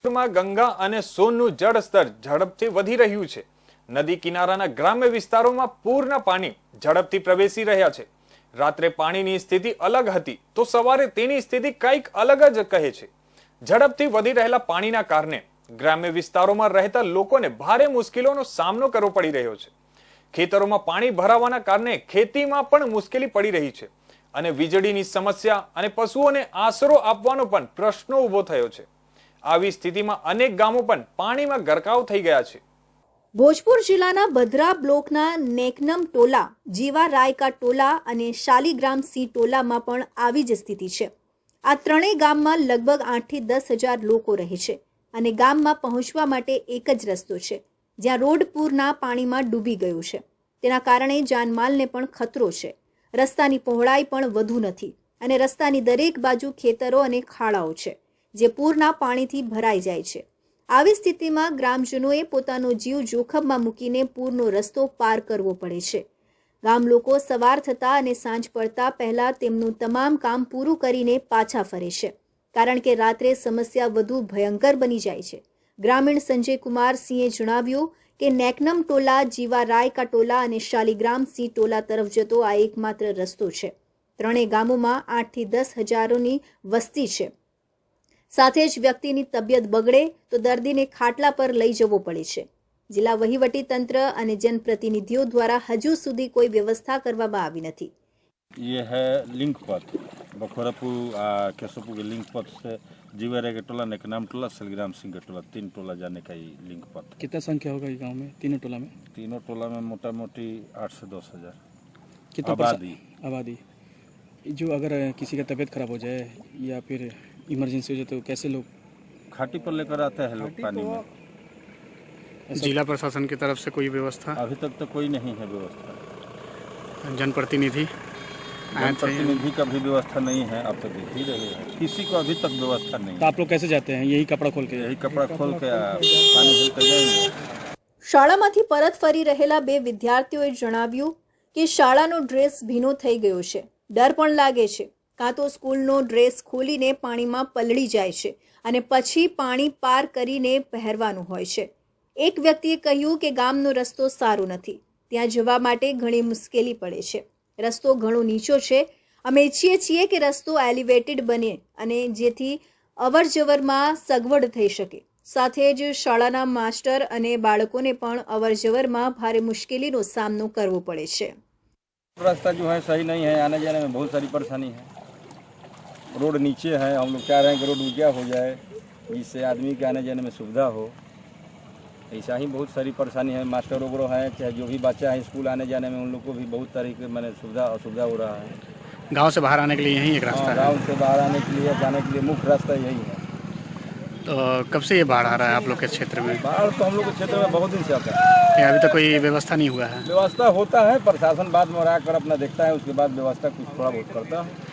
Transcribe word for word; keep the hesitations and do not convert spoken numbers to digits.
માં ગંગા અને સોનનું જળસ્તર ઝડપથી વધી રહ્યું છે। નદી કિનારાના ગ્રામ્ય વિસ્તારોમાં પૂરના પાણી ઝડપથી પ્રવેશી રહ્યા છે। રાત્રે પાણીની સ્થિતિ અલગ હતી તો સવારે તેની સ્થિતિ કંઈક અલગ જ કહે છે। ઝડપથી વધી રહેલા પાણીના કારણે ગ્રામ્ય વિસ્તારોમાં રહેતા લોકોને ભારે મુશ્કેલીઓનો સામનો કરવો પડી રહ્યો છે। ખેતરોમાં પાણી ભરાવાના કારણે ખેતીમાં પણ મુશ્કેલી પડી રહી છે અને વીજળીની સમસ્યા અને પશુઓને આશરો આપવાનો પણ પ્રશ્ન ઊભો થયો છે। આવી સ્થિતિમાં અનેક ગામો પણ પાણીમાં ગરકાવ થઈ ગયા છે। ભોજપુર જિલ્લાના બદ્રા બ્લોકના નેકનમ ટોલા, જીવા રાયકા ટોલા અને શાલીગ્રામ સી ટોલામાં પણ આવી જ સ્થિતિ છે। આ ત્રણેય ગામમાં લગભગ આઠ થી દસ હજાર લોકો રહે છે અને ગામમાં પહોંચવા માટે એક જ રસ્તો છે, જ્યાં રોડ પૂરના પાણીમાં ડૂબી ગયું છે। તેના કારણે જાનમાલને પણ ખતરો છે। રસ્તાની પહોળાઈ પણ વધુ નથી અને રસ્તાની દરેક બાજુ ખેતરો અને ખાડાઓ છે, જે પૂરના પાણીથી ભરાઈ જાય છે। આવી સ્થિતિમાં ગ્રામજનોએ પોતાનો જીવ જોખમમાં મૂકીને પૂરનો રસ્તો પાર કરવો પડે છે। ગામ લોકો સવાર થતા અને સાંજ પડતા પહેલા તેમનું તમામ કામ પૂરું કરીને પાછા ફરે છે, કારણ કે રાત્રે સમસ્યા વધુ ભયંકર બની જાય છે। ગ્રામીણ સંજય કુમાર સિંહે જણાવ્યું કે નેકનમ ટોલા, જીવા રાયકા ટોલા અને શાલીગ્રામ સી ટોલા તરફ જતો આ એકમાત્ર રસ્તો છે। ત્રણેય ગામોમાં આઠ થી દસ હજારોની વસ્તી છે। સાથે જ વ્યક્તિની તબિયત બગડે તો દર્દીને ખાટલા પર લઈ જવો પડે છે। જિલ્લા વહીવટી તંત્ર અને જનપ્રતિનિધિઓ દ્વારા હજુ સુધી કોઈ વ્યવસ્થા કરવામાં આવી નથી। ये है लिंक पथ बखोरापुर केशवपुर के लिंक पथ से जीवा के टोला, नेकनाम टोला, शालीग्राम सिंह के टोला, तीन टोला जाने का ये लिंक पथ। कितना संख्या होगा ये गांव में, तीनों टोला में? तीनों टोला में मोटा मोटी आठ से दस हजार कितना आबादी आबादी जो अगर किसी का तबीयत खराब हो जाए या फिर इमरजेंसी हो जाए तो कैसे लोग घाटी पर लेकर आते हैं लोग पानी में। जिला प्रशासन की तरफ से कोई व्यवस्था? अभी तक तो कोई नहीं है व्यवस्था। जनप्रतिनिधि जनप्रतिनिधि का भी व्यवस्था नहीं है, अब तक देख ही रहे हैं, किसी को अभी तक व्यवस्था नहीं। तो आप लोग कैसे जाते हैं? यही कपड़ा खोल के? यही कपड़ा खोल के पानी हिलते जाएंगे। શાળામાંથી પરત ફરી રહેલા બે વિદ્યાર્થીઓએ જણાવ્યું કે શાળાનો ડ્રેસ ભીનો થઈ ગયો છે। ડર પણ લાગે છે, કાં તો સ્કૂલનો ડ્રેસ ખોલીને પાણીમાં પલળી જાય છે અને પછી પાણી પાર કરીને પહેરવાનું હોય છે। એક વ્યક્તિએ કહ્યું કે ગામનો રસ્તો સારો નથી, ત્યાં જવા માટે ઘણી મુશ્કેલી પડે છે। રસ્તો ઘણો નીચો છે। અમે ઈચ્છીએ છીએ કે રસ્તો એલિવેટેડ બને અને જેથી અવર જવરમાં સગવડ થઈ શકે। સાથે જ શાળાના માસ્ટર અને બાળકોને પણ અવર જવરમાં ભારે મુશ્કેલીનો સામનો કરવો પડે છે। रास्ता जो है सही नहीं है, आने जाने में बहुत सारी परेशानी है। रोड नीचे है, हम लोग चाह रहे हैं कि रोड ऊंचा हो जाए जिससे आदमी के आने जाने में सुविधा हो। ऐसा ही बहुत सारी परेशानी है। मास्टर वगैरह हैं, चाहे जो भी बच्चा है स्कूल आने जाने में उन लोग को भी बहुत तरीके मैंने सुविधा असुविधा हो रहा है। गांव से बाहर आने के लिए यही एक रास्ता है? गाँव से बाहर आने के लिए जाने के लिए मुख्य रास्ता यही है। तो कब से ये बाढ़ आ रहा है आप लोग के क्षेत्र में? बाढ़ तो हम लोग के क्षेत्र में बहुत दिन से आता है। अभी तक कोई व्यवस्था नहीं हुआ है? व्यवस्था होता है, प्रशासन बाद में कर अपना देखता है, उसके बाद व्यवस्था कुछ थोड़ा बहुत करता है।